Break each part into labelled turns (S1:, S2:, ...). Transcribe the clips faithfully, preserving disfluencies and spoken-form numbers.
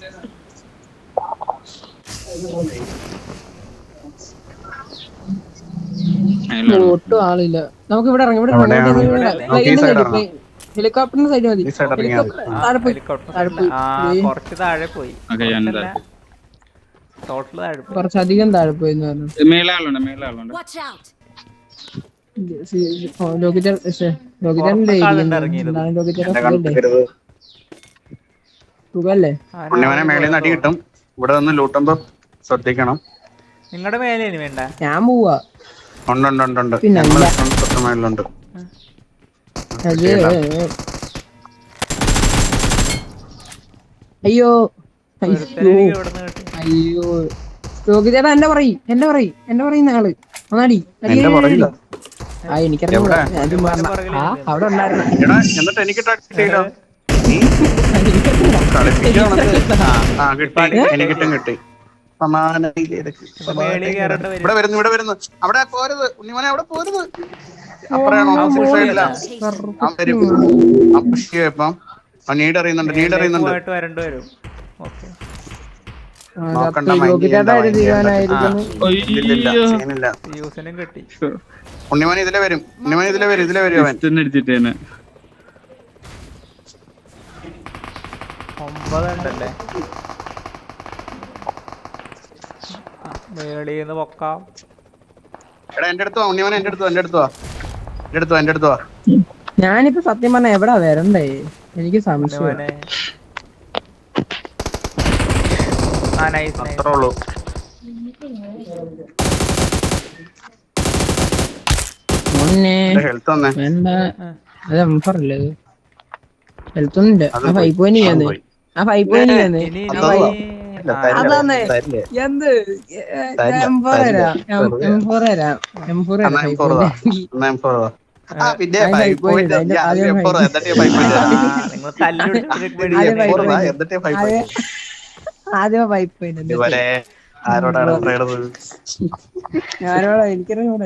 S1: ഒട്ടും ആളില്ല. നമുക്ക് ഇവിടെ ഇറങ്ങി ഇവിടെ ഹെലികോപ്റ്ററിന്റെ സൈഡ് മതി. ഹെലികോപ്റ്റർ താഴെ പോയി
S2: കുറച്ച് താഴെ പോയി ടോട്ടൽ താഴെ പോയി
S1: കുറച്ചധികം താഴെ പോയി സുഖല്ലേ?
S3: മേളിൽ നിന്ന് അടി കിട്ടും. ഇവിടെ നിന്ന് ലൂട്ടുമ്പോ ശ്രദ്ധിക്കണം.
S2: നിങ്ങളുടെ മേലെ വേണ്ട.
S1: ഞാൻ പോവാ.
S3: ഉണ്ട് മേളിലുണ്ട്.
S1: അയ്യോ അയ്യോ ചേട്ടാ എന്നെ പറയും എന്നെ പറയും എന്നെ പറയുന്ന ആള് ഒന്നാടി ആ എനിക്കറിയാം. അവിടെ ഉണ്ടായിരുന്നു.
S3: എനിക്കിട്ടും കിട്ടി. ഇവിടെ വരുന്നു ഇവിടെ വരുന്നു. അവിടെ പോരുത് ഉണ്ണിമോനെ, അവിടെ പോരുത്. അപ്പറയാണോ ഇപ്പം നീഡ് അറിയുന്നുണ്ട്. നീഡ് അറിയുന്നുണ്ട്. ഉണ്ണിമോൻ ഇതിലെ വരും. ഉണ്ണിമോൻ ഇതിലെ വരും. ഇതിലെ വരും. അവൻ
S2: ഒമ്പതുണ്ടല്ലേ മേളീന്ന് പൊക്കാം.
S3: എടാ എന്റെ അടുത്ത് വാ ഉണ്ണിമോനെ. എന്റെ അടുത്ത് എന്റെ അടുത്ത് വാ എന്റെ അടുത്ത് എന്റെ അടുത്ത് വാ.
S1: ഞാനിപ്പോ സത്യം പറഞ്ഞ എവിടാ വരണ്ടേ? എനിക്ക് സംശയം.
S3: അത്രേ ഉള്ളൂ. ഹെൽത്ത് തന്നെ
S1: അത് എംഫറല്ലേ? ഹെൽത്ത് ഒന്നുമില്ല. ആ ഫൈവ് പോയിന്റ് ചെയ്യാന്ന് ആ ഫൈവ് പോയിന്റ് ചെയ്യാന്ന് അതാന്നേ എന്ത് എം ഫോർ തരാം. എം ഫോർ തരാം. എം ഫോർ തരാം. ആദ്യം ഫൈവ് പോയിന്റ് ഞാനോടാ എനിക്കറിയാം.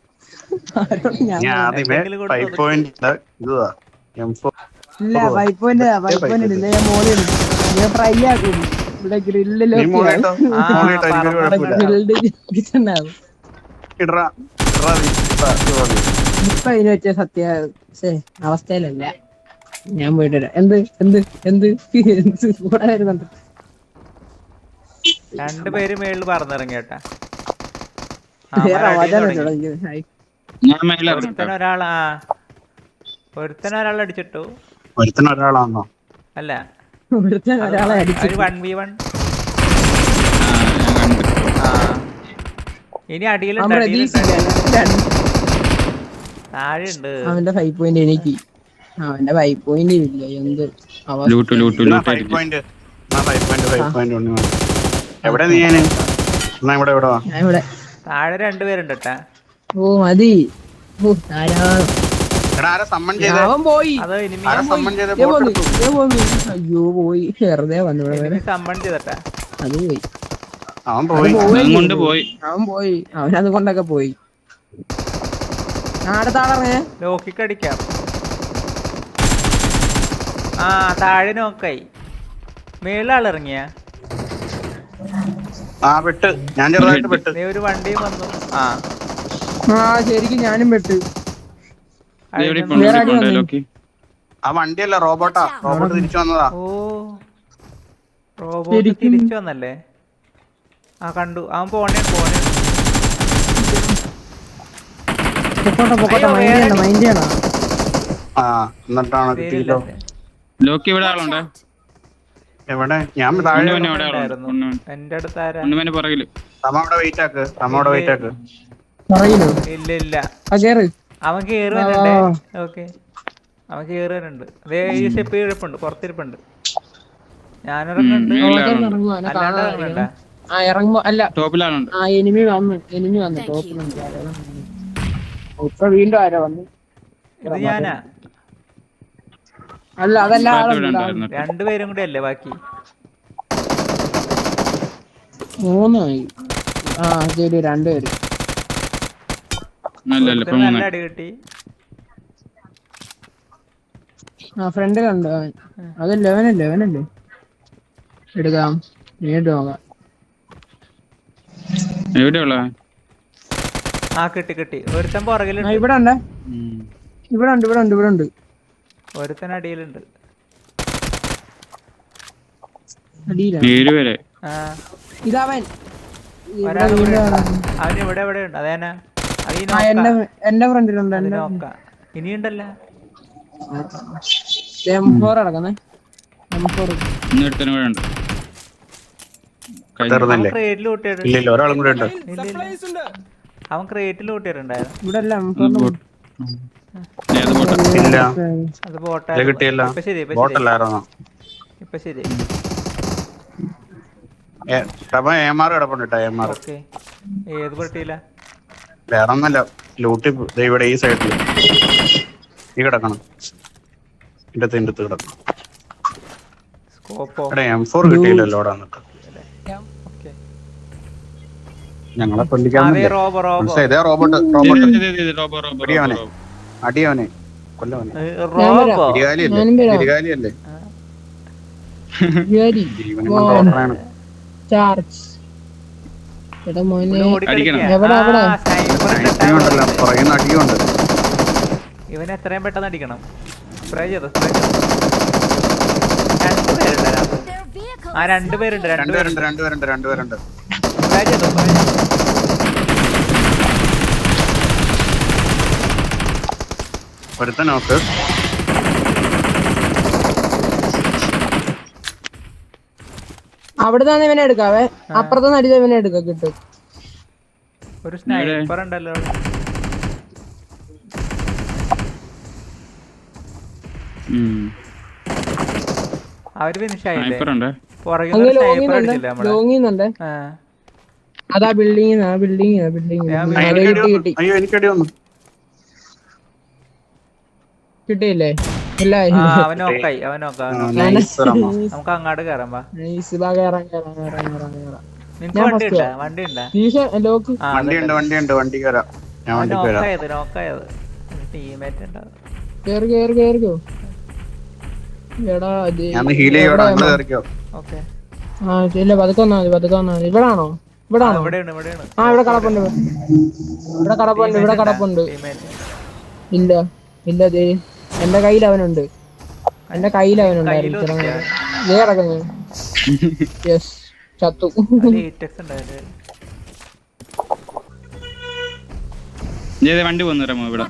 S1: ഇല്ല ഫൈവ് പോയിന്റ് ഫൈവ് പോയിന്റ് ഇല്ല. ഞാൻ മോളിൽ ഞാൻ ഫ്രൈ ആക്കും. ഇവിടെ ഗ്രില്ലിലോ ഇപ്പൊ ഇതിന് വെച്ച സത്യ അവസ്ഥയിലല്ല. ഞാൻ പോയിട്ട് വരാം. എന്ത് എന്ത് എന്ത് കൂടെ വരുന്നുണ്ട്.
S2: രണ്ടുപേര് മേളിൽ പറന്നിറങ്ങിയേട്ടാ. ഒരാളാ ഒരുത്തന ഒരാൾ അടിച്ചിട്ടു.
S3: ഒരുത്തന ഒരാളാണോ?
S2: അല്ല
S1: ഒരാളെ അടിച്ചു.
S2: One V one. ഇനി അടിയിലുണ്ട്. താഴെയുണ്ട്.
S1: അവന്റെ ഫൈവ് പോയിന്റ് എനിക്ക് അവന്റെ ഫൈവ് പോയിന്റ് ഇല്ല. എന്ത്
S2: താഴെ രണ്ടുപേരുണ്ട് കേട്ടാ.
S1: ഓ മതി.
S3: അവൻ പോയി.
S1: അയ്യോ പോയി. വെറുതെ വന്നു.
S2: സമ്മൺ ചെയ്തട്ടാ.
S1: അത് പോയി.
S3: അവൻ പോയി.
S1: അവൻ പോയി. അവനത് കൊണ്ടൊക്കെ പോയി. അടുത്താളെ
S2: ലോക്കിക്കടിക്കാം. ആ താഴെ നോക്കായി. മേളിലാളിറങ്ങിയ
S3: ഒരു
S2: വണ്ടിയും വന്നു. ആ
S1: ആ ശരിക്കും ഞാനും പെട്ട്.
S3: ആ വണ്ടിയല്ല റോബോട്ടാ. റോബോട്ട് തിരിച്ചു വന്നതാ.
S2: ഓ റോബോട്ട് തിരിച്ചു വന്നല്ലേ? ആ കണ്ടു. അവൻ പോണേ പോണേ
S3: എവിടെ? ഞാൻ
S2: എന്റെ അടുത്ത് ഇല്ല ഇല്ല അവൻ കേറി വരണ്ടേ? ഓക്കെ അവൻ കേറി വരണ്ട്. ഈ സ്റ്റെപ്പ് ഇരിപ്പുണ്ട്. പുറത്തിരിപ്പുണ്ട്. ഞാനിറങ്ങുന്നുണ്ട്. അല്ലാണ്ട് ഇറങ്ങണ്ട.
S1: ആ ഇറങ്ങുമ്പോ അല്ല ആ എനിമി വന്ന് എനിമി വന്ന് ടോപ്പിലുണ്ട്. ഇപ്പൊ വീണ്ടും ആരാ വന്നു?
S2: ഇത് ഞാനാ.
S1: അല്ല അതല്ല
S2: രണ്ടുപേരും കൂടെ അല്ലേ ബാക്കി?
S1: മൂന്നായി. ആ ശരി രണ്ടുപേര്.
S2: നല്ല അടി കിട്ടി.
S1: ആ ഫ്രണ്ടിലുണ്ട്. അത് ലെവനല്ലേ ലെവനല്ലേ എടുക്കാം നേരിട്ട് നോക്കാം.
S4: എവിടെയുള്ള
S2: ആ കിട്ടി കിട്ടി. ഒരുത്തൻ പുറകിലുണ്ട്.
S1: ഇവിടെ ഉണ്ട് ഇവിടെ ഉണ്ട് ഇവിടെ ഉണ്ട് ഇവിടെ ഉണ്ട്
S2: ഒരുത്തൻ അടിയിലുണ്ട്.
S4: ഏഴുപേരെ
S1: ഇതവൻ
S2: അവൻ ഇവിടെ എവിടെ ഉണ്ട്. അതേനാ
S1: എന്റെ ഫ്രണ്ടിലുണ്ട്.
S2: നോക്ക ഇനിയുണ്ടല്ലോ.
S1: നടക്കുന്നേ
S2: ക്രേറ്റിൽ അവൻ ക്രേറ്റിൽ കൂട്ടിയിട്ടുണ്ടായിരുന്നു.
S1: ഇവിടെ
S2: അത് ബോട്ടായിരുന്നു. ഇപ്പൊ ശരി ഇപ്പൊ ശരി. ഓക്കെ ഏത് പട്ടിയില്ല
S3: വേറൊന്നല്ല ലൂട്ടി ഇവിടെ ഈ സൈഡില് ഈ കിടക്കണം. എന്റെ തിൻ്റെ കിടക്കണം. എം ഫോർ കിട്ടിയില്ലല്ലോ അവിടെ വന്നിട്ട്. ഞങ്ങളെ കൊല്ലിക്കാതെ റോബോട്ട് റോബോട്ട് അടിയവനെ അടിയവനെ കൊല്ലവനെ ഗിരികാലിയല്ലേ ജീവനെ കൊണ്ടാണ്. പറയുന്ന അടിയുണ്ട്.
S2: ഇവൻ എത്രയും പെട്ടെന്ന് അടിക്കണം. സ്പ്രേ ചെയ്തോ സ്പ്രേ രണ്ടുപേരുണ്ട്. ആ രണ്ടുപേരുണ്ട്
S3: രണ്ടുപേരുണ്ട് രണ്ടുപേരുണ്ട് രണ്ടുപേരുണ്ട്
S2: സ്പ്രേ ചെയ്തോ സ്പ്രേ ചെയ്തോ.
S3: ഒരുത്ത നോക്ക്.
S1: അവിടെ തന്നെ ഇവനെ എടുക്കാവേ. അപ്പുറത്തെ നടിച്ച ഇവനെ എടുക്കാം കിട്ടും.
S2: ഒരു സ്നൈപ്പർ ഉണ്ടല്ലോ. അവര് ഫിനിഷ് ആയില്ലേ?
S1: അതാ ബിൽഡിംഗ് ആ ബിൽഡിംഗ് ബിൽഡിംഗ് കിട്ടിയില്ലേ?
S2: നമുക്ക് അങ്ങോട്ട് കയറാം.
S3: വണ്ടിയുണ്ട് വണ്ടിയുണ്ട് വണ്ടി കയറാം.
S2: ടീമേറ്റ് ഉണ്ടാവും.
S1: പതുക്കെ വന്നാ മതി പതുക്കെ വന്നാ മതി. ഇവിടാണോ ഇവിടാണോ? ആ ഇവിടെ കടപ്പുണ്ട് ഇവിടെ കടപ്പുണ്ട് ഇവിടെ കടപ്പുണ്ട്. ഇല്ല ഇല്ല ദേ എന്റെ കയ്യിൽ അവനുണ്ട്. എന്റെ കയ്യിൽ അവനുണ്ടായിരുന്നു. കിടക്കുന്നു. യെസ് ചത്തു.
S4: വണ്ടി പോന്നു ഇവിടെ.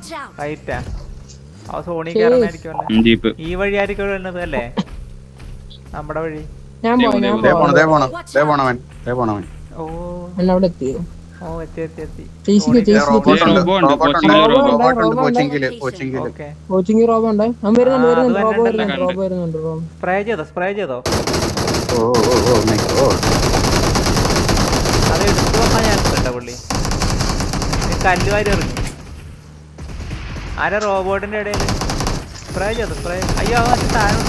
S2: ഈ വഴി ആയിരിക്കും വരുന്നത് അല്ലേ? നമ്മുടെ വഴി.
S1: ഞാൻ
S2: ഓ
S1: അവിടെ എത്തിയോ?
S2: ഓ എത്തി എത്തി എത്തി.
S1: കോച്ചിങ് റോബോ ഉണ്ട്. അവൻ വരുന്നുണ്ട് വരുന്നുണ്ട് റോബോ വരുന്നുണ്ട് റോബോ വരുന്നുണ്ട് റോബോ.
S2: സ്പ്രേ ചെയ്തോ സ്പ്രേ ചെയ്തോ. അത് എടുത്തു വന്നാൽ ഞാൻ കേട്ടോ പുള്ളി കല്ലുവാരി എറിഞ്ഞു. ആരാ റോബോട്ടിന്റെ ഇടയിൽ? സ്പ്രേ ചെയ്തോ സ്പ്രേ. അയ്യോ അവൻ താഴെ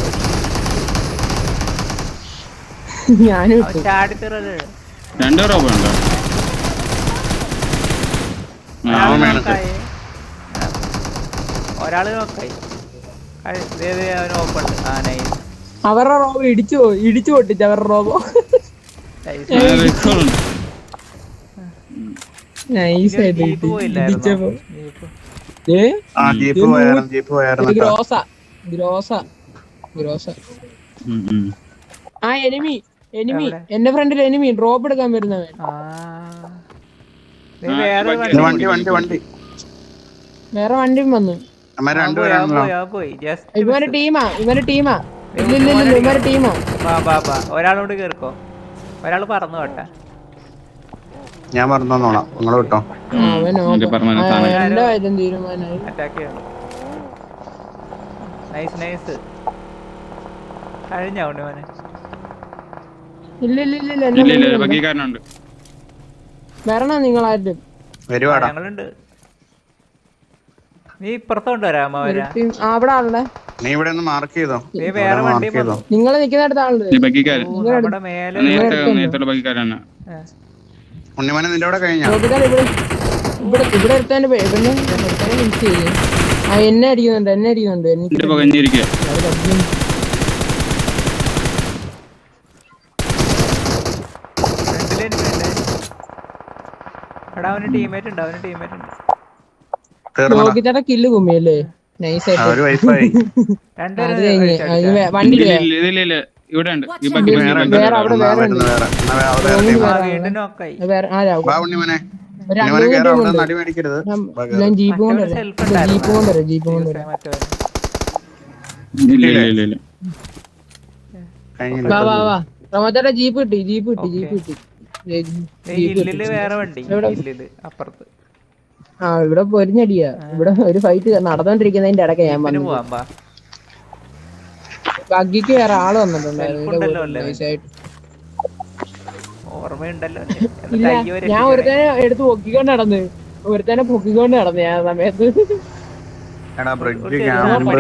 S2: ചാടിത്തറ.
S4: രണ്ടോ റോബോ ഉണ്ടോ?
S2: ഒരാള് നോക്കായി.
S1: അവരുടെ റോബോ ഇടിച്ചു ഇടിച്ചു പൊട്ടിച്ചു അവരുടെ റോബോ. ആ എനിമി എനിമി എന്റെ ഫ്രണ്ടിൽ എനിമി ഡ്രോപ്പ് എടുക്കാൻ വരുന്നവൻ. വേറെ വണ്ടിയും വന്നു. ഇവന്റെ ടീമാ ഇവന്റെ ടീമാ ഇല്ലില്ല ഇവന്റെ ടീമാ.
S2: ഒരാളോട് കേറിക്കോ. ഒരാള് പറന്നു കേട്ടാ.
S3: ഞാൻ പറഞ്ഞോളാം നിങ്ങൾ കേട്ടോ.
S1: തീരുമാനമായി.
S2: അറ്റാക്ക് ചെയ്യണം. Nice nice. കഴിഞ്ഞ ഉണ്ണിമോനെ.
S1: ഇല്ല ഇല്ല ഇല്ല വരണോ നിങ്ങളാരും?
S2: ഞങ്ങളുണ്ട്. നീ ഇപ്പുറത്തോണ്ട് വരാമോ?
S1: അവിടെ ആളുടെ
S3: നീ ഇവിടെ ഒന്ന് മാർക്ക് ചെയ്തോ.
S2: വേറെ വണ്ടി
S1: നിങ്ങൾ നിൽക്കുന്നിടത്ത് ആളുണ്ട്.
S3: ഉണ്ണിമോനെ നിന്റെ അവിടെ കഴിഞ്ഞാ
S1: ഇവിടെ ഇവിടെ എടുത്തതിന്റെ മിസ് ചെയ്ത് ആ എന്നെ അടിക്കുന്നുണ്ട് എന്നെ അടിക്കുന്നുണ്ട്. എനിക്ക്
S2: എടാ അവന് ടീമേറ്റ് ഉണ്ട് അവന് ടീമേറ്റ് ഉണ്ട്.
S1: നോക്കിച്ചേട്ടാ കില്ല് കുമ്മിയല്ലേ നൈസായിട്ട്.
S3: ഒരു വൈഫായി
S2: രണ്ടുപേരും
S1: അത് കഴിഞ്ഞ്
S2: അടിച്ചോ, അടിച്ചോ.
S1: വണ്ടി
S4: ഇല്ല ഇല്ല ഇല്ല ഇല്ല ഇവിടെ ഉണ്ട് ഈ ബാക്കി
S3: വേറെ ഉണ്ട്.
S1: വേറെ അവിടെ
S3: എന്നാ
S1: വേറെ
S3: വരുന്നു, വേറെ എന്നാ വേ- അവിടെ വേറെ
S2: ആ,
S3: ടീമാണ്.
S2: വീണ്ടും നോക്കായി.
S1: വേറെ ആരാ
S3: വാ ഉണ്ണിമോനെ,
S1: ഒരു രണ്ട്
S3: ഉണ്ണിമോനെ
S1: മൂന്ന്
S3: കേറാം, അവിടെ
S1: ടീമുണ്ട്.
S3: നിന്ന് അടി മേടിക്കരുത്. വാ, കേറ്.
S1: ഞാൻ ജീപ്പ്
S2: മറ്റവന്
S1: കൊണ്ടുവരാം
S2: സെൽഫ്
S1: ജീപ്പ് കൊണ്ടുവരാം ജീപ്പ് കൊണ്ടുവരാം.
S2: മറ്റവന്
S4: ഇല്ല ഇല്ല ഇല്ല ഇല്ല
S3: കഴിഞ്ഞില്ല.
S1: വാ വാ വാ റമോച്ചേട്ടാ ജീപ്പ് കിട്ടി ജീപ്പ് കിട്ടി ജീപ്പ് കിട്ടി ഏ,
S2: ഏയ്
S1: ജീപ്പ്
S2: ഹില്ലില്
S1: കിട്ടി.
S2: വേറെ വണ്ടി
S1: എവിടെ?
S2: ഹില്ലില് അപ്പുറത്ത്.
S1: ആ ഇവിടെ പൊരിഞ്ഞടിയാ. ഇവിടെ ഒരു ഫൈറ്റ് നടന്നോണ്ടിരിക്കുന്നതിന്റെ ഇടയ്ക്ക് ഞാൻ
S2: ജീപ്പിന്
S1: വന്നു.
S2: പോവാൻ പാ.
S1: ബഗ്ഗിക്ക് വേറെ ആള് വന്നിട്ടുണ്ടായിരുന്നു.
S2: Self
S1: ഇതിലെ
S2: ഉണ്ടല്ലോ
S1: കൂടെ
S2: അല്ലേ?
S1: നൈസായിട്ട്.
S2: ഓർമ്മയുണ്ടല്ലോ.
S1: ഇല്ല ഞാൻ ഒരുത്തനെ എടുത്ത് പൊക്കിക്കൊണ്ട് നടന്ന് ഒരുത്തനെ പൊക്കിക്കൊണ്ട് നടന്നു ഞാൻ ആ സമയത്ത്.
S3: എടാ ബ്രിഡ്ജ്
S1: ആ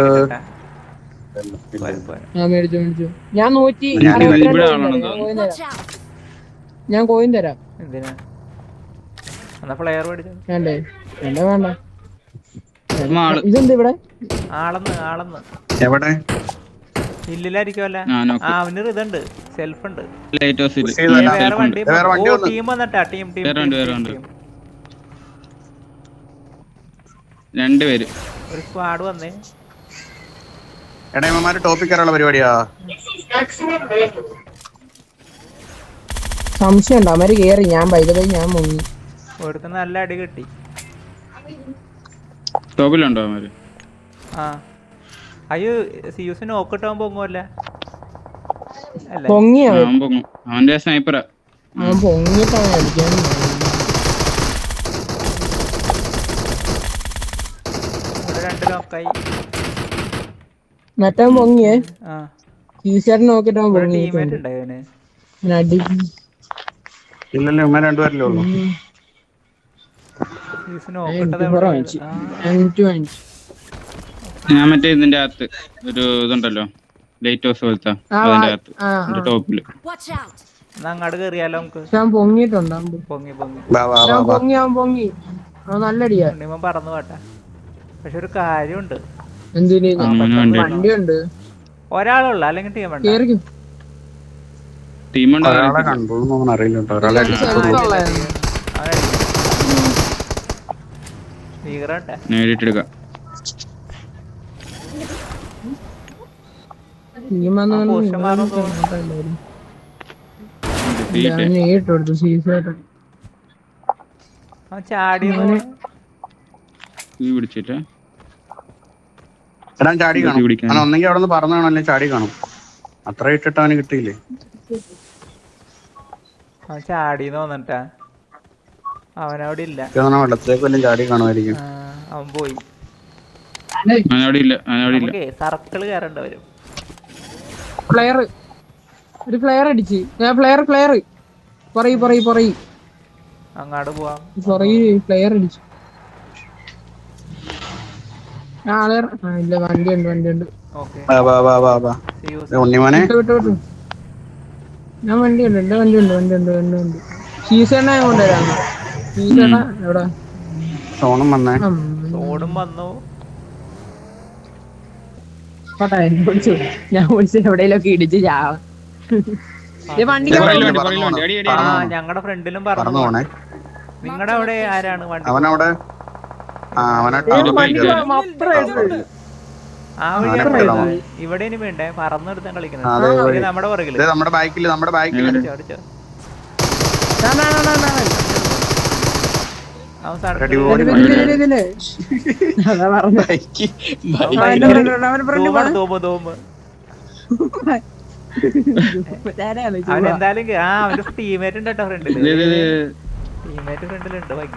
S1: മേടിച്ചു മേടിച്ചു ഞാൻ നൂറ്റി
S3: ഞാൻ
S1: അറുപത്തിരണ്ട്
S4: ഇവിടെ
S1: കോയിൻ
S4: ആളാണെന്ന്
S1: തരാം, കോയിൻ തരാം. ഞാൻ കോയിൻ തരാം.
S2: എന്തിനാ എന്നാ ഫ്ലെയർ മേടിച്ചു.
S1: വേണ്ടേ വേണ്ട വേണ്ട
S4: ഉമ്മ ആള്
S1: ഇതെന്ത് ഇവിടെ
S2: ആളെന്ന് ആളെന്ന്
S3: എവിടെ
S2: ഹില്ലിലായിരിക്കുമല്ല.
S4: ആ, നോക്ക്.
S2: ആ അവന് ഇതുണ്ട് സെൽഫ് ഉണ്ട്.
S4: ലൈറ്റ് ഹൗസിൽ
S3: പുഷ് ചെയ്തല്ല.
S2: വേറെ
S4: സെൽഫ് ഉണ്ട്
S2: വണ്ടി
S3: വേറെ വണ്ടി വന്നു.
S2: ടീം വന്നിട്ടാ ടീം ടീം
S4: വേറെ ഉണ്ട്, വേറെ
S2: ടീം
S4: ഉണ്ട്.
S2: ടീം.
S4: രണ്ടുപേര്
S2: ഒരു സ്ക്വാഡ് വന്നേ.
S3: എടാ ഇവന്മാര് ടോപ്പിക് കയറാനുള്ള പരിപാടിയാ.
S1: സംശയം ഉണ്ടോ അവര് കേറി ഞാൻ പൈതപോയി ഞാൻ മുങ്ങി.
S2: ഒരുത്ത നല്ല അടി കിട്ടി.
S4: ടോപ്പിലുണ്ടോ അവന്മാര്?
S2: ആ അയ്യോ സിയൂസ് നോക്കിട്ടാൻ പൊങ്ങുമല്ല അല്ലേ?
S1: പൊങ്ങിയ
S4: ആ, അവൻ പൊങ്ങും. അവന്റെ സ്നൈപ്പറാ.
S1: അവൻ പൊങ്ങിട്ടാണ് അടിക്കാൻ.
S2: ഇവിടെ രണ്ട് നോക്കായി.
S1: മറ്റവൻ പൊങ്ങിയേ
S2: ആ
S1: ടീഷർട്ട് നോക്കിട്ട് അവൻ
S2: ഒരു ടീമേറ്റ്
S1: പൊങ്ങിയിട്ടുണ്ട്.
S2: ഉണ്ട് അവന്.
S1: ഞാൻ അടി
S3: ഇല്ലല്ലോ ഇവന്മാർ രണ്ടുപേരല്ലേ ഉള്ളൂ.
S2: സിയൂസ് നോക്കിട്ടത്
S1: കുറവ് വാങ്ങിച്ചു അഞ്ചു വാങ്ങിച്ചു.
S4: ഞാൻ മറ്റേ ഇതിന്റെ അകത്ത് ഒരു ഇതുണ്ടല്ലോ ലൈറ്റ് ഹൗസ് പോലത്തെ
S1: ആ,
S4: അതിന്റെ അകത്ത്
S1: ആ,
S4: എന്റെ
S1: ആ.
S4: ടോപ്പില്.
S2: എന്നാ അങ്ങോട്ട് കയറിയാലോ നമുക്ക്.
S1: ഞാൻ പൊങ്ങിയിട്ടുണ്ട് അവൻ പൊ-
S2: പൊങ്ങി പൊങ്ങി
S3: വാ വാ വാ
S1: ഞാൻ
S3: വാ.
S1: പൊങ്ങി അവൻ പൊങ്ങി അവൻ നല്ലടിയാ.
S2: ഉണ്ണിമൻ പറന്നു പോട്ടെ. പക്ഷെ ഒരു കാര്യമുണ്ട്,
S1: എന്തിന്
S4: അവന് വണ്ടി
S1: വണ്ടിയുണ്ട്
S2: ഒരാളുള്ള അല്ലെങ്കിൽ ടീം ഉണ്ട്.
S1: കേറിക്കും.
S4: ടീമുണ്ട്.
S3: ഒരാളെ കണ്ടോന്ന് അറിയില്ല കേട്ടോ. ഒരാളെ അടിച്ചിട്ടുള്ളൂ.
S2: ഭീകരട്ടെ
S4: നേരിട്ടെടുക്കാം.
S1: ടീം വന്ന്
S2: ആ,
S1: വന്ന്
S2: പോസ്റ്റ് മാറും
S1: ഇവനെ
S2: തോന്നുന്നു.
S1: ഇങ്ങോട്ടല്ലായിരുന്നു.
S4: തീറ്റ
S1: ഞാൻ നേരിട്ട് കൊടുത്തു സീസായിട്ട്.
S2: അവൻ ചാടി
S4: തീ പിടിച്ചിട്ട്
S3: എടാ ചാടി
S4: തീ
S3: കാണും.
S4: പിടിക്കാൻ.
S3: അവൻ ഒന്നെങ്കിൽ അവിടെ നിന്ന് പറഞ്ഞു കാണും, അല്ലെങ്കിൽ ചാടി കാണും. അത്ര ഇട്ടിട്ട് അവന് കിട്ടിയില്ലേ.
S2: അവൻ ചാടിന്ന് തോന്നിട്ടാ. അവനവിടെ ഇല്ല.
S3: ഇതൊന്നും വെള്ളത്തിലേക്ക് വല്ലതും ചാടി കാണുമായിരിക്കും.
S2: ആ, അവൻ പോയി.
S4: അവനവിടെ ഇല്ല, അവനവിടെ ഇല്ല.
S2: നമുക്കേ സർക്കിള് കയറേണ്ട വരും.
S1: ഫ്ലെയർ ഒരു ഫ്ലെയർ അടിച്ച് ഞാൻ ഫ്ലെയർ ഫ്ലെയർ പറയ് പറയ് പറയ്
S2: അങ്ങാട് പോവാം.
S1: പറയ് ഫ്ലെയർ അടിച്ചു. ആ അതെ ആ, ഇല്ല വണ്ടി ഉണ്ട് വണ്ടി ഉണ്ട്.
S2: ഓക്കെ
S3: വാ വാ വാ വാ വാ. ദേ ഉണ്ണിമോനെ
S1: വിട്ടു വിട്ടു വിട്ടു ഞാൻ വണ്ടി ഉണ്ട് എന്റെ വണ്ടി ഉണ്ട് വണ്ടി ഉണ്ട് വണ്ടി ഉണ്ട്. സീസണ ഞാൻ കൊണ്ടുവരാം. സീസണ എവിടെ
S3: സോണും വന്നേ.
S2: ഓടും വന്നു.
S1: കോട്ടെ വിളിച്ചു ഞാൻ വിളിച്ചു എവിടെയെങ്കിലൊക്കെ ഇടിച്ച് ചാവാം. വണ്ടി
S3: ഇല്ല,
S4: പുറകില്
S3: വണ്ടി
S4: വണ്ടി, പുറകില് വണ്ടി. അടി, അടി,
S2: ആ
S4: അടി.
S2: ഞങ്ങളുടെ ഫ്രണ്ടിലും
S3: പറന്നു
S2: പറഞ്ഞു.
S3: പോണേ.
S2: നിങ്ങളുടെ അവിടെ ആരാണ് വണ്ടി?
S3: അവനവിടെ ആ അവനെ
S4: ഒരു
S3: ടവർ
S4: ബൈക്ക്
S3: ഇല്ല.
S2: ആ വഴി
S3: അവനെ കൊല്ലണം.
S2: ഇവിടെ ഇനി വേണ്ടേ പറന്നെടുത്താൻ
S3: ആ,
S2: കളിക്കുന്നത്.
S3: അതെ,
S2: ഇനി
S3: വഴി.
S2: നമ്മുടെ പുറകില്
S3: ദേ നമ്മുടെ ബാക്കില് നമ്മുടെ ബാക്കില്
S2: അടിച്ചോ, അടിച്ചോ. അവൻ സട-
S3: അടി ഓടി
S1: അതാ പറഞ്ഞു
S3: ബൈക്ക്
S2: ധൂമാണ്, ധൂമ്, ധൂമ്. അവൻ എന്തായാലും കേ- ആ അവന്റെ ടീമേറ്റ് ഉണ്ട് കേട്ടോ ഫ്രണ്ടില്.
S4: ഇത്, ഇത്, ഇത്.
S2: ടീമേറ്റ് ഫ്രണ്ടിലുണ്ട് ബാക്കി.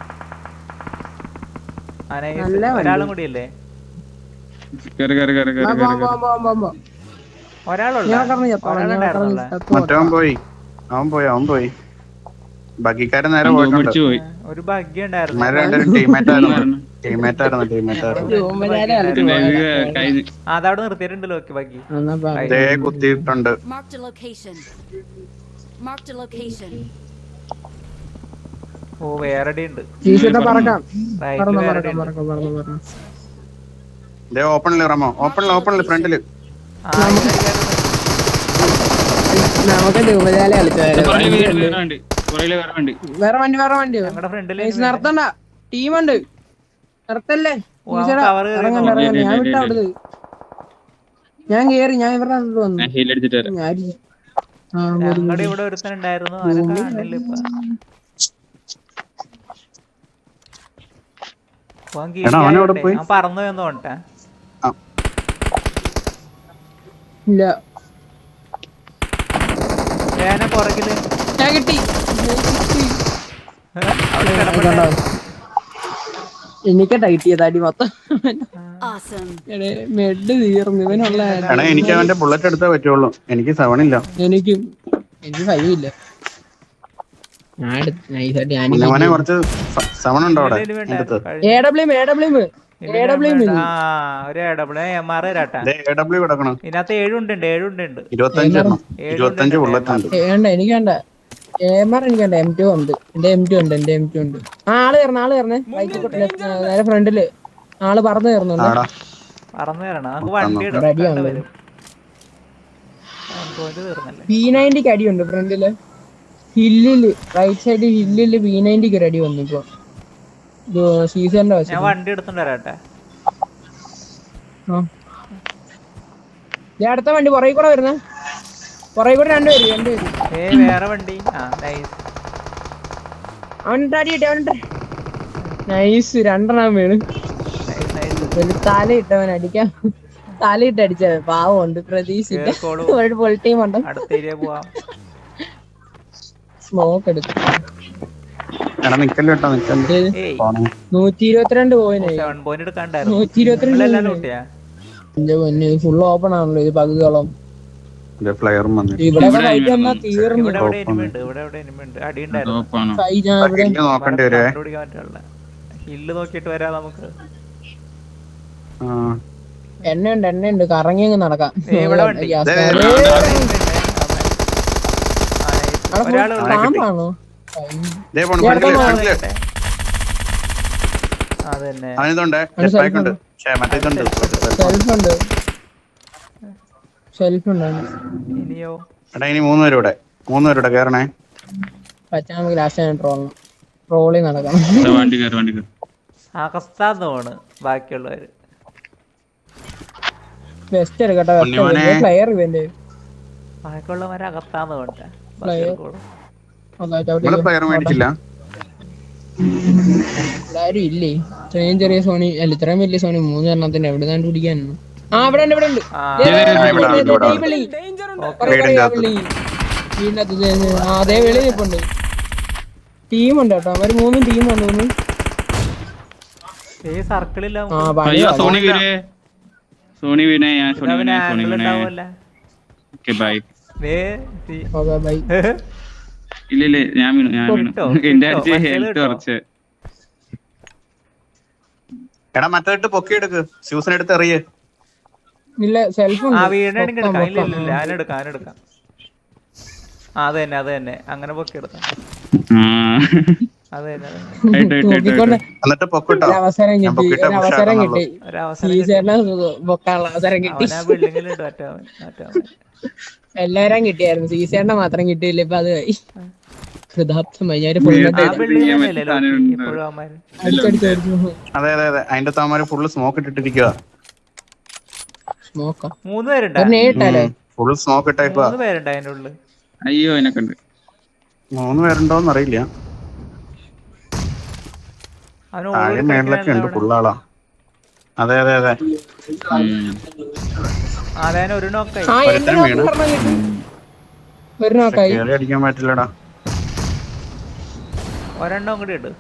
S1: നല്ല വണ്ടി.
S2: ഒരാളും കൂടിയല്ലേ?
S4: കേറ്, കേറ്, കേറ്, കേറ്, കേറ്, കേറ്.
S2: ഒരാളുള്ള
S1: ഞാൻ കറന്ന് ചത്തോളാം ഞാൻ
S2: ഒരാളുണ്ടായിരുന്നല്ലേ?
S1: കറന്ന് ചത്തോളാം.
S3: മറ്റവൻ പോയി അവൻ പോയി അവൻ പോയി ബഗ്ഗിക്കാരൻ നേരെ
S4: അവൻ
S3: പോയിട്ടുണ്ട്.
S4: പിടിച്ചു പോയി.
S2: ഒരു ഭാഗ്യം ഉണ്ടായിരുന്നു.
S3: ഇവന്മാര് രണ്ടുപേരും ടീമേറ്റ് ആയിരുന്നു ടീമേറ്റ് ആയിരുന്നു ടീമേറ്റ് ആയിരുന്നു.
S1: ധൂമജാലം കളിച്ചു
S4: ഇതിന്റെ ഇത്
S1: പോയതാ.
S4: കഴിഞ്ഞ്.
S2: ആ, അതവിടെ നിർത്തിയിട്ടുണ്ടല്ലോ. ഓക്കെ ബാക്കി
S1: എന്നാ പറ.
S3: ദേ കുത്തിയിട്ടുണ്ട്.
S5: Marked a location. Marked a location.
S2: ഓ വേറെ അടി ഉണ്ട്.
S1: ടീഷർട്ട് പറക്കാം
S2: റൈറ്റില്
S1: പറന്നു
S2: വേറെ അടി
S1: പറക്കാം
S2: ഉണ്ട്.
S1: പറക്കാം പറന്നു പറന്നു.
S3: ദേ ഓപ്പണില് റമോ ഓപ്പണില് ഓപ്പണില് ഫ്രണ്ടില്.
S2: ആ, ഇവിടെ കയറുന്നു.
S1: നമുക്ക് ധൂമജാലം കളിച്ചു
S4: പുറകില് വീഴുന്നുണ്ട്. പുറകില് വേറെ വണ്ടി.
S1: വേറെ വണ്ടി വേറെ വണ്ടി
S2: ഞങ്ങളുടെ ഫ്രണ്ടിൽ
S1: നിർത്തണ്ട, ടീമുണ്ട്, നിർത്തല്ലേ.
S2: ഓ, അവൻ cover കയറി
S1: ഇറങ്ങണ്ട
S2: നോക്കി.
S1: ഇറങ്ങണ്ട, ഞാൻ
S4: ഇല്ല,
S1: വിട്ട
S4: ഇല്ല,
S1: അവിടുന്ന് ഞാൻ കേറി, ഞാൻ ഇവരുടെ അടുത്ത് വന്നു.
S4: ഞാൻ ഹീൽ അടിച്ചിട്ട് വരാം.
S1: ഞാൻ ആ,
S2: ഞങ്ങളുടെ ഇവിടെ ഒരുത്തനുണ്ടായിരുന്നു, അവനെ കാണില്ല ഇപ്പൊ. അവൻ
S3: എടാ, അവൻ എവിടെ
S2: കീഴിലായോണ്ടേ,
S3: പോയി?
S2: അവൻ പറന്നു എന്ന് തോന്നട്ടെ.
S1: ഇല്ല,
S2: ഞാനെ പുറകില്
S1: ഞാൻ കിട്ടി.
S2: അവിടെ കിടപ്പുണ്ട്.
S1: എനിക്കട്ടാ കിട്ടിയത് അടി മൊത്തം.
S5: Awesome.
S1: മെഡ് തീർന്നു ഇവനുള്ള.
S3: എടാ എനിക്ക് അവന്റെ ബുള്ളറ്റ് എടുത്തേ പറ്റുള്ളൂ, എനിക്ക് സെവൻ ഇല്ല.
S1: എനിക്ക് എനിക്ക് ഫൈവ് ഇല്ല. ഞാൻ എടുത്ത് നൈസായിട്ട് ഞാൻ
S3: ഉണ്ണിമോനെ കുറച്ച് സെവൻ ഉണ്ടോ അവിടെ
S2: ഇതിന് വേണ്ട.
S3: എടുത്ത്?
S1: A W A W A W
S2: ആ ഒരു ഡബിള് എം ആർ തരാട്ടാ.
S3: എ ഡബ്ല്യു കിടക്കണം.
S2: ഇതിനകത്ത് ഏഴുണ്ട് ഏഴുണ്ട് ഉണ്ട്.
S3: ഇരുപത്തഞ്ച് എണ്ണം, ഇരുപത്തഞ്ച് ബുള്ളറ്റ് ഉണ്ട്.
S1: വേണ്ട, എനിക്ക് വേണ്ട. എമാർ എനിക്ക് വേണ്ട, എം ടു ഉണ്ട്. എന്റെ എം ടു ഉണ്ട്, എന്റെ എം ടു ഉണ്ട്. ആ ആള് കയറണ ആള് കയറണേ, നേരെ ഫ്രണ്ടില് ആള് പറന്ന് കയറുന്നുണ്ട്.
S3: ആടാ
S2: പറന്നു തരണം, നമുക്ക് വണ്ടി
S1: റെഡി
S2: എടുക്കാൻ
S1: ആണ്.
S2: വരും. തീർന്നല്ലേ.
S1: ബി നയൻറ്റിക്ക് അടിയുണ്ട് ഫ്രണ്ടില്, ഹില്ലില് റൈറ്റ് സൈഡ് ഹില്ലില് ബി നയൻറ്റിക്ക് ഒരു അടി വന്നു ഇപ്പൊ. സീസണിന്റെ
S2: ഞാൻ
S1: വശം
S2: വണ്ടി എടുത്തോണ്ട് വരാട്ടെ.
S1: അടുത്ത വണ്ടി പുറകെ കൂടെ വരുന്നേ, പുറകെ കൂടെ രണ്ടുപേര് രണ്ടുപേര്.
S2: ഏ വേറെ വണ്ടി. ആ നൈസ്.
S1: അവനിട്ട് അടി കിട്ടി, അവനിട്ട് നൈസ്. രണ്ടെണ്ണം വീണ്.
S2: Nice nice.
S1: തലയിട്ടവൻ അടിക്കാം, തലയിട്ട് അടിച്ച പാവമുണ്ട്, പ്രതീക്ഷിച്ചില്ല.
S2: കേറിക്കോളൂ.
S1: ഒരു ഫുൾ ടീം ഉണ്ട്.
S2: അടുത്ത ഏരിയ പോവാം.
S1: സ്മോക്ക് എടുത്തു.
S3: എടാ നിക്കല്ലോ കേട്ടോ, നിക്കല്ലേ
S2: ഏയ്
S3: പോണേ.
S1: നൂറ്റി ഇരുപത്തിരണ്ട് പോയിന്,
S2: സെവൻ പോയിന്റ് എടുക്കാണ്ടായിരുന്നു.
S1: നൂറ്റി ഇരുപത്തിരണ്ട്
S2: എല്ലാം ലൂട്ടിയാ.
S1: ഫുൾ ഓപ്പൺ ആണല്ലോ ഇത് പകുതിയോളം.
S3: ഫ്ലയറും വന്നിട്ട്
S1: ഇവിടെ ഫൈറ്റ് എന്നാ തീർന്നു.
S2: ഇവിടെ എവിടെ എനിമി ഉണ്ട്, ഇവിടെ എവിടെ എനിമി ഉണ്ട്. അടി ഉണ്ടായിരുന്നു.
S4: ടോപ്പാണോ?
S1: ഫൈറ്റ് ഞാൻ ഇവിടെ
S3: കില്ല് നോക്കണ്ടി വരുവേ.
S2: കണ്ടുപിടിക്കാൻ പറ്റുള്ള ഹില്ല് നോക്കിയിട്ട് വരാം നമുക്ക്.
S3: ആ.
S1: എണ്ണയുണ്ട് എണ്ണയുണ്ട്, കറങ്ങി അങ്ങ് നടക്കാം.
S2: ഏ, ഇവിടെ വണ്ടി.
S1: ഗ്യാസ്
S3: ദേ,
S1: കാർഡ്.
S3: ദേ,
S1: അവിടെ full
S2: ഒരാള്
S1: പാമ്പാണോ?
S3: ദേ പോണു, ഫ്രണ്ടില്, ഫ്രണ്ടില്.
S2: അതന്നെ.
S3: അവനിതുണ്ട്,
S1: അവന്
S3: jetpack
S1: self
S3: ഉണ്ട്. ഛേ, മറ്റേ ഇതുണ്ട്.
S1: സെൽഫ് ഉണ്ട്, സെൽഫ് ഉണ്ട്.
S2: ഇനിയോ
S3: എടാ ഇനി മൂന്ന് പേരും ഇവിടെ, മൂന്ന് പേരും ഇവിടെ കേറണേ.
S1: പറ്റാ നമുക്ക് ലാസ്റ്റ് ട്രോളണം, ട്രോളി നടക്കണം.
S4: ഇവിടെ വണ്ടി കയറി വണ്ടി കയറി.
S2: അകത്താന്ന് തോണ് ബാക്കിയുള്ളവര്.
S1: ബെസ്റ്റ് എടുക്കട്ടെ,
S3: ഉണ്ണിമോനെ.
S1: പ്ലെയർ ഇവന്റെ
S2: ബാക്കിയുള്ളവരെ അകത്താന്ന് തോട്ടെ.
S1: പ്ലെയർ
S3: ഇവിടെ പ്ലെയർ മേടിച്ചില്ല.
S1: ആരും ഇല്ലേ? ഇത്രയും ചെറിയ സോണി അല്ല, ഇത്രയും വലിയ സോണി മൂന്ന് എണ്ണത്തിന്റെ എവിടെ നിന്നാണ്ട് പിടിക്കാനാണ്. ആ ഇവിടെ ഉണ്ട്, ഇവിടെ ഉണ്ട്. അതേ വെളി നിൽപ്പുണ്ട്. ടീമുണ്ട് കേട്ടോ, അവര് മൂന്നും ടീം വന്നു തോന്നുന്നു.
S2: ഈ സർക്കിളില്ല.
S1: ആ പണി
S4: അയ്യോ സോണി വീരേ, സോണി വീണേ, ഞാൻ സോണി വീണേ, സോണി വീണേ.
S2: ഉണ്ടാവുമല്ല.
S4: Okay bye.
S1: Okay bye.
S4: ഇല്ല ഇല്ല, ഞാൻ വീണു, ഞാൻ വീണു.
S2: കിട്ടോ,
S4: എന്റെ
S2: കിട്ടോ,
S4: അടിച്ച്
S2: മറ്റേത്
S4: ഹെൽത്ത്
S2: കിട്ടോ.
S4: കുറച്ച്.
S3: എടാ മറ്റേട്ട് പൊക്കി എടുക്ക്, ഷൂസിന് എടുത്ത് എറിയേ.
S1: ഇല്ല സെൽഫ്
S2: ആ
S1: ഉണ്ട്.
S2: വീണെങ്കിൽ എടുക്കാം. ഇല്ല ഇല്ല ഇല്ല, ഞാനെടുക്കാം ഞാനെടുക്കാം. ആ അത് തന്നെ അത് തന്നെ, അങ്ങനെ പൊക്കി എടുക്കാം.
S4: ആ.
S2: അത് തന്നെ അത് തന്നെ.
S4: ആയിട്ട്, ആയിട്ട്, ആയിട്ട്,
S1: നോക്കിക്കൊണ്ട്
S4: ആയിട്ട്.
S3: എന്നിട്ട് പൊക്കിട്ടോ.
S1: ഒരു അവസരം
S3: ഞാൻ
S1: കിട്ടി,
S3: പൊക്കിട്ടേ
S1: ഒരു അവസരം കിട്ടി.
S2: ഒരവസരം കിട്ടി.
S1: സീസറിനെ പൊക്കാനുള്ള അവസരം കിട്ടി.
S2: അവനാ ബിൽഡിങ്ങിലുണ്ട് മറ്റേ അവൻ മറ്റേ അവൻ.
S1: എല്ലാരും കിട്ടിയായിരുന്നു, സീസറിനെ മാത്രം കിട്ടിയില്ല. ഇപ്പൊ അത് കൃതാർത്ഥമായി. ഞാൻ ഫുൾ
S2: ആ ബിൽഡിംഗ് തന്നെയല്ലേ ലോക്കി ഇപ്പോഴും അവന്മാര്.
S1: അടിച്ചടിച്ചു.
S3: അതെ അതെ അതെ, അതിന്റെ താമാര് ഫുള്ള് സ്മോക്ക് ഇട്ടിട്ടിരിക്കുക.
S1: നോക്കാം,
S2: മൂന്ന് പേരുണ്ടാ,
S1: നേരിട്ടാലോ?
S3: Full smoke ഇട്ടേപ്പാ.
S2: മൂന്ന് പേരുണ്ട് അതിന്റെ ഉള്ളിൽ.
S4: അയ്യോ എനക്ക് ഉണ്ട്.
S3: മൂന്ന് പേരുണ്ടോന്ന് അറിയില്ല.
S2: അവന്
S3: താഴെ മേളിലൊക്കെ ഉണ്ട് ഫുള്ളാളാ. അതെ അതെ അതെ.
S2: ആദ്യം ഒരു നോക്കായി.
S1: ആ എന്റെ നോക്ക് പറഞ്ഞ കിട്ടി, ഒരു നോക്കായി.
S3: കേറി അടിക്കാൻ പറ്റില്ലടാ.
S2: ഒരെണ്ണം കൂടി ഇട്ട്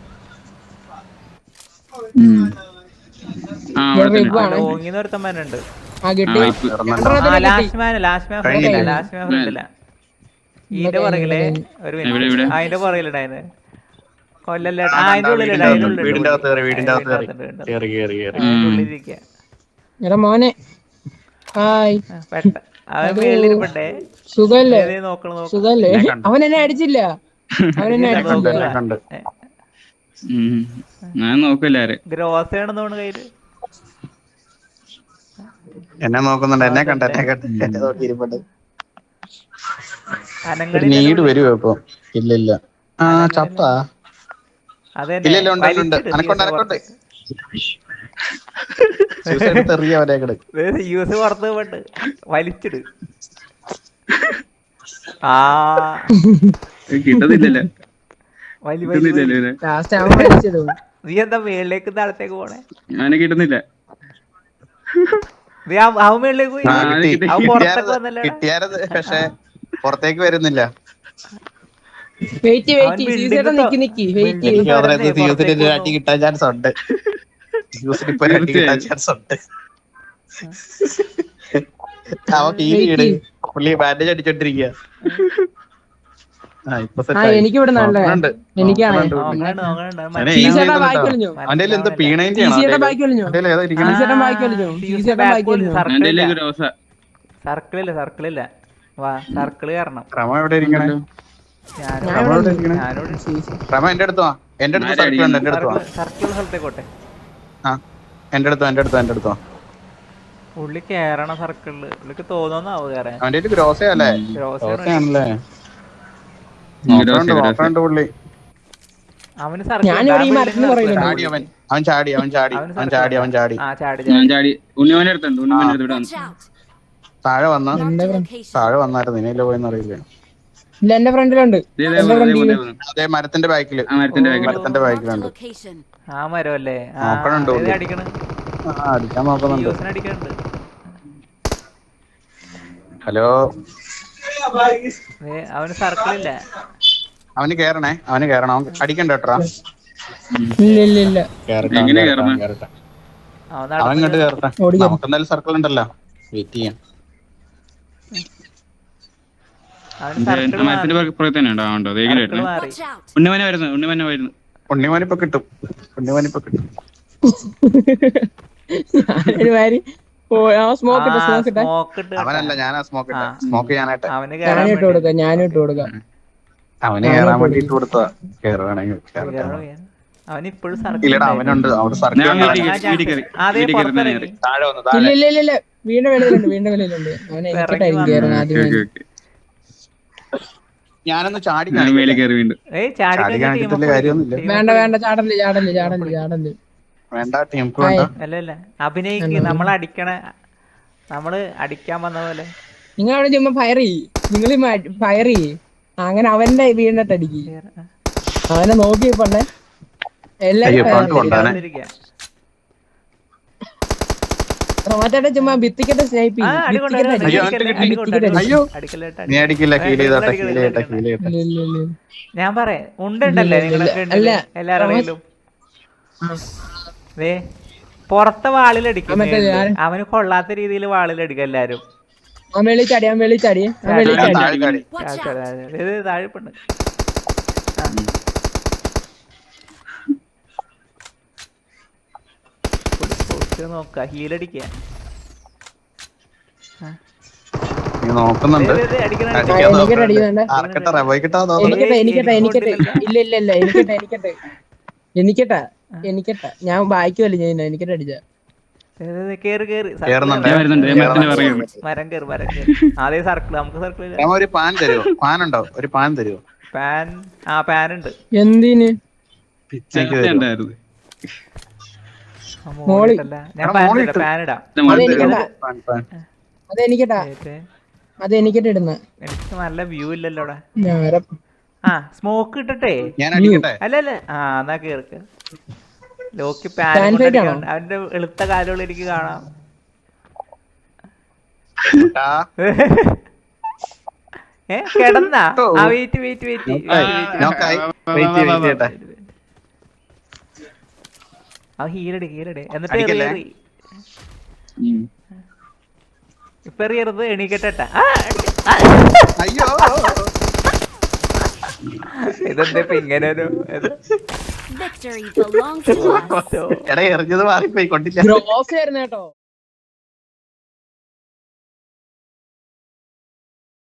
S4: ആ അവിടെ തന്നെ.
S2: ഓങ്ങിന്ന് ഒരുത്തന്മാരുണ്ട്.
S1: ആ കിട്ടി.
S2: ആ ലാസ്റ്റ് മാൻ ലാസ്റ്റ് മാൻ ഫ്രണ്ടില്ല ലാസ്റ്റ് മാൻ ഫ്രണ്ടില്ല. ഇതിന്റെ പുറകിലെ ഒരു മിനിറ്റ്, അതിന്റെ പുറകിലുണ്ടായിരുന്നു. കൊല്ലല്ലേ, ആ അതിന്റെ ഉള്ളിലുണ്ട്, അതിന്റെ ഉള്ളിൽ
S3: വീടിന്റെ അകത്ത് കയറി, വീടിന്റെ അകത്ത് കയറി കയറി കയറി കയറി.
S2: ഉള്ളിലിരിക്കുക.
S1: എടാ മോനെ ഹായ്,
S2: പെട്ട അവൻ മേളിലിരിപ്പട്ടെ.
S1: സുഖല്ലേ?
S2: നോക്കണം നോക്കണം.
S1: സുഖല്ലേ? അവൻ എന്നെ അടിച്ചില്ല, അവൻ എന്നെ അടിച്ചില്ല.
S3: കണ്ട്
S4: ഉം. ഞാൻ നോക്കില്ലാരെ.
S2: ഗ്രോസയാണെന്ന് തോന്നുന്നു കയ്യില്.
S3: എന്നെ നോക്കുന്നുണ്ട്, എന്നെ കണ്ട എന്നെ കണ്ട് എന്നെ നോക്കി ഇരിപ്പുണ്ട്.
S2: അനങ്ങണി
S3: നീട് വരുവോ ഇപ്പൊ? ഇല്ല ഇല്ല, ആ ചത്ത
S2: അതെ
S3: ഇല്ല ഇല്ല ഉണ്ട് ഉണ്ട് അനക്കൊണ്ട് അനക്കൊണ്ട് എറിയ അവരെ
S2: യൂസ് പുറത്ത് പോയിട്ട് വലിച്ചിട്. ആ
S4: കിട്ടത്തില്ലല്ലേ
S2: വലി വലി
S4: കിട്ടുന്നില്ലല്ലേ
S1: ലാസ്റ്റ് അവൻ വലിച്ചിടും.
S2: നീ എന്താ മേളിലേക്ക് താഴത്തേക്ക് പോണേ?
S4: അവനെ കിട്ടുന്നില്ല.
S2: നീ അവ- അവൻ മേളിലേക്ക് പോയി,
S3: ആ കിട്ടി
S2: അവൻ പുറത്തൊക്കെ
S3: കിട്ടിയാരത്
S2: വന്നല്ലേടാ.
S3: കിട്ടിയാരത് പക്ഷെ പുറത്തേക്ക് വരുന്നില്ല.
S1: വെയിറ്റ്
S2: അവൻ
S1: വെയിറ്റ് സി
S2: building
S1: ചേട്ടാ
S2: തൊ-
S1: നിക്കി നിക്കി വെയിറ്റ്
S2: building
S3: എനിക്ക് തോന്നുന്നത്
S2: തുറന്നേ
S3: യൂസിന്
S2: പുറത്തേക്ക്
S3: ഒരു അടി കിട്ടാൻ ചാൻസ് ഉണ്ട്. യൂസിന് ഇപ്പൊ ഒരു അടി കിട്ടാൻ ചാൻസ് ഉണ്ട്. അവൻ ഹീൽ ചെയ്ത് പുള്ളി ബാൻഡേജ് അടിച്ചോണ്ടിരിക്കുക. ആ ഇപ്പൊ
S1: ആ എനിക്ക് ഇവിടെ നല്ല എനിക്കാണ്
S2: നോക്കണുണ്ട്, നോക്കണുണ്ട്. അവൻ
S3: അതെ,
S1: സി
S2: മനസ്സിലാവും.
S1: ചേട്ടാ ബാക്കി വലിഞ്ഞു.
S3: അവന്റെ എന്തോ
S1: സി
S3: പീണേന്റെ
S1: ചേട്ടാ ബാക്കി വലിഞ്ഞു.
S3: ഏതാ ഇരിക്കണേ?
S1: സി ചേട്ടൻ ബാക്കി വലിഞ്ഞു. സി ചേട്ടൻ ബാക്കി വലിഞ്ഞു.
S4: എന്റെ
S2: സർക്കിളില്ല
S4: കയ്യിലേക്ക് റോസ
S2: സർക്കിളില്ല സർക്കിളില്ല വാ സർക്കിള് കയറണം.
S3: റമ എവിടെ ഇരിക്കണേ?
S2: ഞാനും
S1: ഞാൻ ഇവിടെ ഉണ്ട്.
S3: ഇരിക്കണേ?
S2: ഞാനോട്
S3: റമ എന്റെ അടുത്ത് വാ. എന്റെ അടുത്ത് സർക്കിൾ ഉണ്ട്. എന്റെ അടുത്ത് വാ.
S2: സർക്കിൾ സ്ഥലത്തേക്കോട്ടെ.
S3: ആ എന്റെ അടുത്തോ എന്റെ അടുത്തോ എന്റെ അടുത്തോ.
S2: പുള്ളി കേറണ സർക്കിളില് പുള്ളിക്ക് തോന്നുന്നാവു കയറാൻ.
S3: അവന്റെ ഒരു ഗ്രോസയല്ലേ? ഗ്രോസയാണല്ലേ? നോക്കണ്ട് നോക്കണ്ട് പുള്ളി.
S2: അവന്
S1: ഞാനിവിടെ ഈ മരത്തിന് പുറകിലുണ്ട്.
S3: ചാടി അവൻ അവൻ ചാടി അവൻ ചാടി അവൻ ചാടി അവൻ ചാടി
S2: ആ ചാടി
S4: ഞാൻ
S2: ചാടി.
S4: ചാടി ഉണ്ണിമോനെ അടുത്തുണ്ട് ഉണ്ണിമോനെ അടുത്ത് ഇവിടെ
S5: Watch out.
S3: താഴെ വന്ന
S5: Marked a location.
S3: താഴെ വന്നായിരുന്നു നിനയില്ല പോയെന്ന് അറിയില്ല.
S1: ഇല്ല എന്റെ ഫ്രണ്ടിലുണ്ട്. എന്റെ ഫ്രണ്ടില്
S3: അതേ മരത്തിന്റെ ബാക്കില്
S4: ആ മരത്തിന്റെ ബാക്കിൽ
S3: മരത്തിന്റെ
S5: Marked a
S3: ബാക്കിലുണ്ട്.
S5: location.
S2: ആ മരം അല്ലേ? ആ
S3: നോക്കണുണ്ട്
S2: ഏത്
S3: പുള്ളി.
S2: അടിക്കണ്?
S3: ആ അടിക്കാൻ നോക്കുന്നുണ്ട്.
S2: യൂസിന് അടിക്കണുണ്ട്.
S3: ഹലോ
S2: ദേ, അവന് സർക്കിളില്ല.
S3: അവന് കേറണേ അവന് കേറണം. അവൻ അടിക്കണ്ട കേട്ടോ.
S1: ഇല്ല ഇല്ല ഇല്ല
S3: കേറട്ടെ
S4: എങ്ങനെ
S3: അവൻ
S4: കേറണം?
S3: കേറട്ടെ.
S2: അവൻ
S3: അവൻ ഇങ്ങോട്ട്
S2: നടന്നില്ല.
S3: കേറട്ടെ.
S1: ഓടിക്കാം.
S3: നമുക്ക് എന്തായാലും സർക്കിൾ ഉണ്ടല്ലോ. വെയിറ്റ് ചെയ്യാം.
S2: അവന് സർക്കിൾ
S4: മരത്തിന്റെ
S2: മാറി.
S4: പുറകെ തന്നെ ഉണ്ടോ ഉണ്ടോ
S2: സർക്കിൾ
S4: ദേഹിലായിരുന്നു
S2: മാറി.
S5: Watch out.
S4: ഉണ്ണിമോനെ വരുന്നു ഉണ്ണിമോനെ വരുന്നു.
S3: ഉണ്ണിമോനിപ്പൊ കിട്ടും. ഉണ്ണിമോനിപ്പൊ കിട്ടും.
S1: ഞാനൊരു മാതിരി സ്മോക്ക് ഇട്ട സ്മോക്ക് ഇട്ട
S2: സ്മോക്ക് ഇട്ട്
S3: അവനല്ല ഞാനാ സ്മോക്ക് ഇട്ടെ.
S2: ആ.
S3: സ്മോക്ക് ഞാനായിട്ട്
S2: അവന്
S1: ഞാനും
S2: കേറാൻ
S1: ഇട്ട് കൊടുക്കാം ഞാനും ഇട്ട് കൊടുക്കാം.
S3: അവന് കേറാൻ വേണ്ടി ഇട്ട് കൊടുത്താ. കേറുവാണെങ്കിൽ കേറട്ടെ.
S2: വേണ്ടി. അവൻ ഇപ്പോഴും സർക്കിൾ
S3: ഇല്ലടാ അവനുണ്ട്. അവിടെ സർക്കിൾ
S4: ഞാൻ
S3: ഉണ്ട്.
S4: വീട്ടിൽ കയറി വീട്ടിൽ കയറി
S2: അതേ
S4: വീട്ടിൽ കയറി തന്നെ
S2: പുറത്തിറങ്ങി.
S3: താഴെ വന്നു
S1: ഇല്ല
S3: താഴെ.
S1: ഇല്ല ഇല്ല ഇല്ല വീണ്ടും വെളിയിലുണ്ട് വീണ്ടും വെളിയിലുണ്ട്. അവനെ എനിക്കിട്ടായിരിക്കും കയറുന്നത് ആദ്യം.
S4: ഓക്കെ ഓക്കെ
S3: ഞാനൊന്ന് ചാടി
S4: ഞാൻ മേലെ
S3: കാണിക്കട്ടെ.
S4: കയറി വീണ്ടും.
S2: ഏയ് ചാടി
S3: ചാടി
S2: കഴിഞ്ഞ
S3: കാണിച്ചിട്ട്
S2: team
S3: വലിയ കാര്യമൊന്നുമില്ല.
S2: team
S1: വേണ്ട വേണ്ട ചാടല് ചാടല് ചാടല് ചാടല്.
S3: വേണ്ട ടീമുക്ക് വേണ്ട.
S2: അല്ല അല്ല അഭിനയിക്ക്. നമ്മൾ അടിക്കണ നമ്മള് അടിക്കാൻ വന്ന പോലെ.
S1: നിങ്ങൾ അവിടെ ചുമ്മാ ഫയർ ചെയ്യ്. നിങ്ങൾ ഫയർ ചെയ്യ്. അങ്ങനെ അവന്റെ വീണിട്ട് അടിക്ക്. അവനെ നോക്കി പണ്ടേ
S3: അയ്യോ,
S1: എല്ലാരും
S3: front കൊണ്ടാണ്.
S2: വന്നിരിക്കുക.
S1: റോമാറ്റേട്ടൻ ചുമ്മാ ഭിത്തിക്കട്ടെ സ്നൈപ്പ്
S2: ആ, അടി കൊണ്ട് അടി കൊണ്ട്
S3: അയ്യോ,
S2: അടിക്കല്ലേ,
S3: അവൻ
S2: അടി കൊണ്ട് അടി കൊണ്ട്.
S3: അയ്യോ.
S2: അടിക്കല്ലേട്ടാ,
S3: നീ അടിക്കില്ല.
S2: അടി.
S3: ഹീൽ ചെയ്തോട്ടെ
S2: അടിക്കല്ല,
S3: ഹീൽ ചെയ്യട്ടെ
S2: അടിക്കല്ല.
S3: ഹീൽ ചെയ്യട്ടെ.
S2: ഞാൻ പറയാം ഉണ്ടല്ലേ നിങ്ങളെ
S1: അല്ല.
S2: എല്ലാവരുടെയിലും ദേ പുറത്തെ വാളിലടിക്കും.
S1: ആ, മറ്റേ ഞാൻ-
S2: അവന് കൊള്ളാത്ത രീതിയിൽ വാളിലടിക്കും എല്ലാരും.
S1: അവൻ വെളിച്ചാടി അവൻ വെളിച്ചാടി അവൻ
S3: ഞാൻ
S1: വെളിച്ചാടി.
S3: താഴെ ചാടി.
S5: Watch out.
S2: ഇത് താഴെപ്പുണ്ട്. നോക്ക ഹീലടിക്കുക.
S3: നീ നോക്കുന്നുണ്ട്.
S2: അടിക്കണം
S3: അടിക്കാൻ
S1: എനിക്കിട്ട്
S3: നോക്കുന്നുണ്ട്.
S1: അടിക്കുന്നുണ്ട്.
S3: ആർക്കട്ടെ പോയി കിട്ടാ തോന്നുന്നു.
S1: എനിക്കട്ടെ എനിക്കട്ടെ എനിക്കട്ടെ ഇല്ല ഇല്ല ഇല്ല എനിക്കട്ടെ എനിക്കട്ടെ എനിക്കട്ടെ എനിക്കട്ടെ ഞാൻ വായിക്കുമല്ലോ ഞാൻ എനിക്കട്ടെ അടിച്ച
S2: കേറി കേറി
S3: കേറുന്നുണ്ട്.
S4: ഞാൻ വരുന്നുണ്ട് ഞാൻ മരത്തിന്റെ പുറകെ
S2: മരം കേറി മരം കേറി. അതേ സർക്കിൾ നമുക്ക് സർക്കിൾ ഇല്ല.
S3: രമ ഒരു പാൻ തരുമോ? പാൻ ഉണ്ടോ? ഒരു പാൻ തരുമോ?
S2: പാൻ ആ പാൻ ഉണ്ട്.
S1: എന്തിന്
S3: പിച്ചയ്ക്ക് തരുമോ?
S4: ഉണ്ടായിരുന്നു.
S2: ആ, മോളിട്ടല്ല. ഞാൻ
S3: എടാ,
S2: പാൻ
S3: മോളിൽ
S2: ഇടാം,
S3: ഇട്ട്.
S2: പാൻ ഇടാം.
S1: അതെനിക്കട്ടാ
S3: പാൻ പാൻ.
S1: അതെനിക്കട്ടാ
S2: ഏറ്റ്.
S1: അതെനിക്കട്ടെ ഇടുന്ന
S2: എനിക്ക് നല്ല വ്യൂ ഇല്ലല്ലോ അവിടെ.
S1: ഞാൻ
S2: ആ സ്മോക്ക് ഇട്ടട്ടെ.
S3: ഞാൻ അടിക്കട്ടെ.
S2: അല്ല അല്ല ആ എന്നാ കേർക്ക്. ലോക്കി
S1: Fan
S2: പാൻ
S1: fight ആണോ?
S2: അവന്റെ എളുത്ത കാലുകൾ എനിക്ക് കാണാം.
S3: ആ,
S2: ഏ കിടന്നാ ആ വെയിറ്റ് വെയിറ്റ് വെയിറ്റ്
S3: നോക്കായി. വെയിറ്റ് ചെയ്യ്, വെയിറ്റ് ചെയ്യട്ടെ.
S2: ആ ഹീലടി ഹീലടി എന്നിട്ട്
S3: അടിക്കല്ലേ?
S2: എറി, എറി.
S4: ഉം.
S2: ഇപ്പൊ എറിയരുത് എണീക്കട്ടെ.
S3: അയ്യോ
S2: ഇതെന്താ ഇപ്പൊ ഇങ്ങനെ ഒരു ഇത്?
S5: Victory belongs to us.
S3: എടാ എറിഞ്ഞത് മാറിപ്പോയി കൊണ്ടില്ല.
S1: ഗ്രോസ് ആയിരുന്നു കേട്ടോ.